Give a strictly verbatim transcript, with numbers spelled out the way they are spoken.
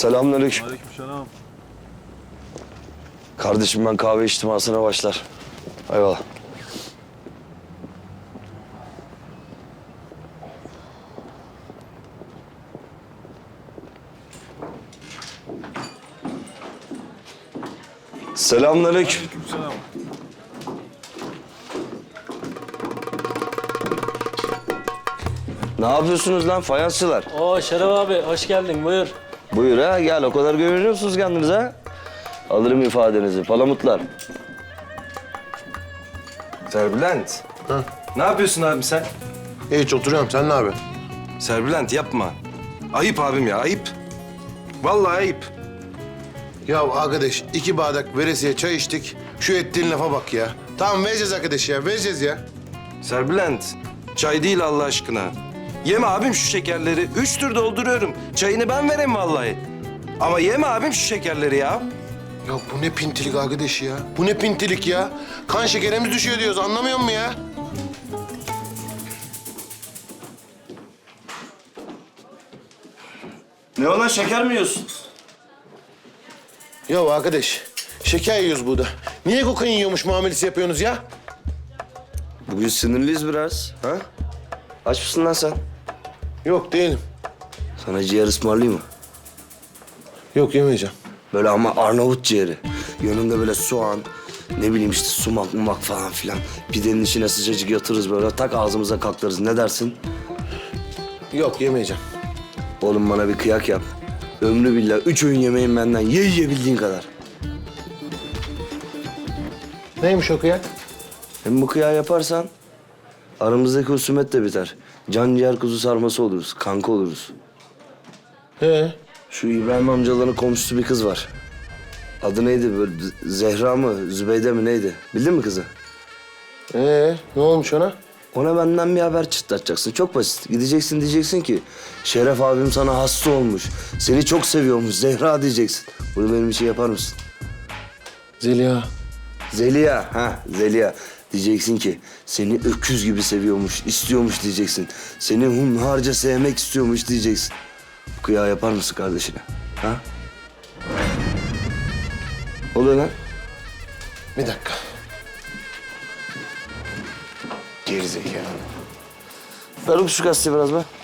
Selamünaleyküm. Aleykümselam. Kardeşim ben kahve içtimasına başlar. Eyvallah. Selamünaleyküm. Aleykümselam. Ne yapıyorsunuz lan fayansçılar? Oo Şeref abi hoş geldin buyur. Buyur ha gel, o kadar güveniyorsunuz kendinize ha. Alırım ifadenizi palamutlar. Serbülent. Ha? Ne yapıyorsun abi sen? Hiç oturuyorum. Sen ne yapıyorsun? Serbülent yapma. Ayıp abim ya, ayıp. Vallahi ayıp. Ya arkadaş iki bardak veresiye çay içtik. Şu ettiğin lafa bak ya. Tamam vereceğiz arkadaş ya. Vereceğiz ya. Serbülent, çay değil Allah aşkına. Yeme abim şu şekerleri. Üç tür dolduruyorum. Çayını ben vereyim vallahi. Ama yeme abim şu şekerleri ya. Ya bu ne pintilik arkadaş ya? Bu ne pintilik ya? Kan şekerimiz düşüyor diyoruz. Anlamıyor musun ya? Ne olan şeker mi yiyorsun? Ya arkadaş şeker yiyoruz burada. Niye kokain yiyormuş muamelesi yapıyorsunuz ya? Bugün sinirliyiz biraz. Ha? Aç mısın lan sen? Yok değilim. Sana ciğer ısmarlayayım mı? Yok yemeyeceğim. Böyle ama Arnavut ciğeri. Yanında böyle soğan, ne bileyim işte sumak mumak falan filan. Pidenin içine sıcacık yatırırız böyle, tak ağzımıza kaklarız. Ne dersin? Yok yemeyeceğim. Oğlum bana bir kıyak yap. Ömrü billah üç öğün yemeğin benden. Ye yiyebildiğin kadar. Neymiş o kıyak? Hem bu kıyağı yaparsan aramızdaki husumet de biter. Can ciğer kuzu sarması oluruz, kanka oluruz. He. Şu İbrahim amcaların komşusu bir kız var. Adı neydi böyle Zehra mı, Zübeyde mi neydi? Bildin mi kızı? Ee, ne olmuş ona? Ona benden bir haber çıtlatacaksın. Çok basit. Gideceksin diyeceksin ki Şeref abim sana hasta olmuş. Seni çok seviyormuş Zehra diyeceksin. Bunu benim için yapar mısın? Zeliha. Zeliha, ha Zeliha. Diyeceksin ki seni öküz gibi seviyormuş, istiyormuş diyeceksin. Seni hunharca sevmek istiyormuş diyeceksin. Bu kıyağı yapar mısın kardeşine? Ha? Oluyor lan. Bir dakika. Gerizekalı. Ver oku şu gazeteyi biraz be.